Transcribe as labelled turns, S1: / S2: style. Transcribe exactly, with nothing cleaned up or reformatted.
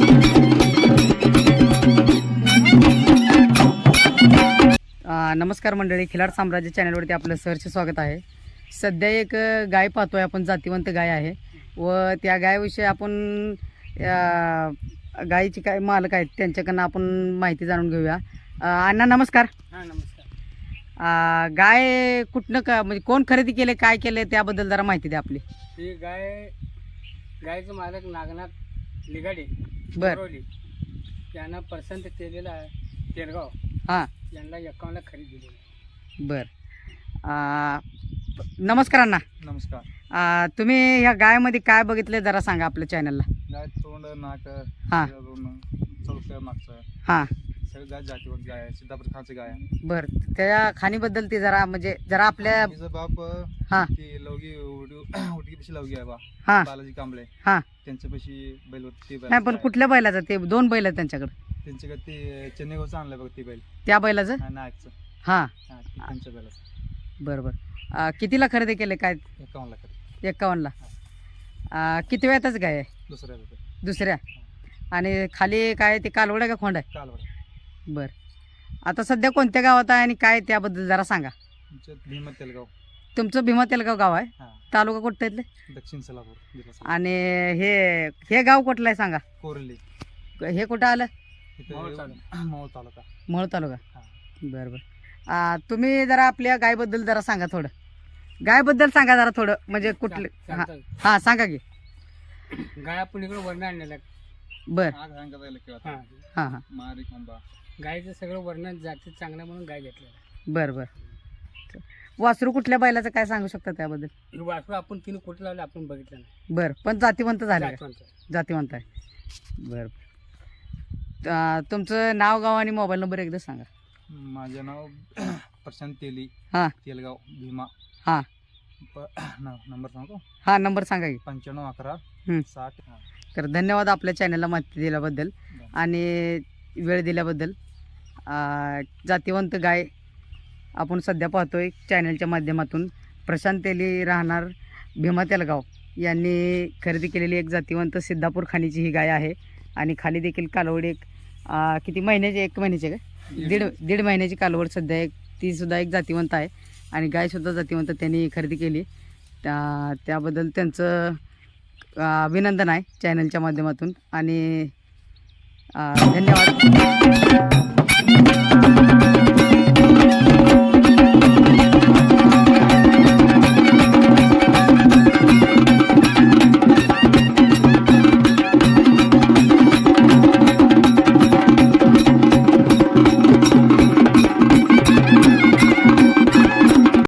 S1: नमस्कार मंडळी, खिलार साम्राज्य चॅनलवरती आपलं सहर्ष स्वागत आहे. सध्या एक गाय पाहतोय आपण, जातीवंत गाय आहे व त्या गायविषयी आपण गायीची काय मालक आहेत त्यांच्याकडनं आपण माहिती जाणून घेऊया. अण्णा नमस्कार.
S2: हां नमस्कार.
S1: गाय कुठनं का म्हणजे कोण खरेदी केले, काय केले त्याबद्दल जरा माहिती द्या आपली.
S2: ही गाय गायचं मालक नागनाथ लिगाडे
S1: बर
S2: यांना पसंत केलेला आहे तेरगाव.
S1: हां
S2: यांना एकावन्नला खरेदी दिली.
S1: बर नमस्कार अण्णा.
S3: नमस्कार.
S1: तुम्ही ह्या गायमध्ये काय बघितले जरा सांगा आपल्या चॅनलला.
S3: गाय तोंड नाक
S1: हां
S3: चौकं मागचं
S1: हां
S3: सगळं गाय जातीवर गाय आहे, सिद्धापूर खानचं गाय आहे.
S1: बर त्या खाणीबद्दल ती जरा म्हणजे जरा आपल्या
S3: तिचं बाप
S1: हां
S3: ती लवगी उडकी पशी लवगी आहे बा
S1: हां
S3: बालाजी कांबळे
S1: हां
S3: त्यांच्यापाशी बैल होती ती बैल
S1: नाही पण कुठल्या बैलाचं ते दोन बैल आहेत त्यांच्याकडे.
S3: त्यांच्याकडे ते चेन्नईगावचं आणलंय बघ ती बैल
S1: त्या बैलाचं
S3: हा, नागचं
S1: हां
S3: हा ती त्यांच्या बैलाचं.
S1: बरं बरं कितीला खरेदी केले काय.
S3: एकावन्नला खरेदी.
S1: एकावन्नला. किती वेळातच गाय आहे.
S3: दुसऱ्या रुपये
S1: दुसऱ्या. आणि खाली काय ते कालवड आहे का खोंड आहे.
S3: कालवड.
S1: बरं आता सध्या कोणत्या गावात आहे आणि काय त्याबद्दल जरा सांगा.
S3: तुमचं भीमा तेलगाव.
S1: तुमचं भीमा तेलगाव गाव आहे.
S3: हां
S1: तालुका कुठं इथले.
S3: दक्षिण सोलापूर जिल्हा.
S1: आणि हे हे गाव कुठलं आहे सांगा.
S3: कोरली.
S1: हे कुठं आलं.
S3: मोहोळ तालुका.
S1: मोहोळ तालुका.
S3: हां
S1: बरं बरं. तुम्ही जरा आपल्या गायबद्दल जरा सांगा थोडं. गायबद्दल सांगा जरा थोडं म्हणजे कुठले. हां हां सांगा की.
S2: गाय आपण इकडे वर्णन आणलेलं आहे.
S1: बरं
S2: हां
S1: हां हां
S3: मारी खांबा
S2: गायचं सगळं वर्णन जाती चांगलं म्हणून गाय घेतलेलं आहे.
S1: बरं बरं. वासरू कुठल्या बैलाचं काय सांगू शकता त्याबद्दल.
S2: हे वासरू आपण तिने कुठे लावलं आपण बघितलं नाही.
S1: बरं पण जातीवंत झालं का?
S2: जातवंत आहे.
S1: जातीवंत आहे. बरं अं, तुमचं नाव गाव आणि मोबाईल नंबर एकदा सांगा.
S3: माझं नाव प्रशांत तेली.
S1: हां
S3: तेलगाव भीमा.
S1: हां
S3: नंबर सांगतो.
S1: हां नंबर सांगा की.
S3: पंच्याण्णव अकरा
S1: हं.
S3: साठ.
S1: तर धन्यवाद आपल्या चॅनलला माहिती दिल्याबद्दल आणि वेळ दिल्याबद्दल. अं, जातीवंत गाय आपण सध्या पाहतोय चॅनलच्या माध्यमातून. प्रशांत तेली राहणार भीमा तेलगाव यांनी खरेदी केलेली एक जातीवंत सिद्धापूर खाणीची ही गाय आहे. आणि खाली देखील कालवड एक अं, किती महिन्याची, एक महिन्याची काय दीड दीड महिन्याची कालवड सध्या एक ती सुद्धा एक जातीवंत आहे. आणि गायसुद्धा जातीवंत त्यांनी खरेदी केली. त्या त्याबद्दल त्यांचं अभिनंदन आहे चॅनलच्या माध्यमातून आणि धन्यवाद.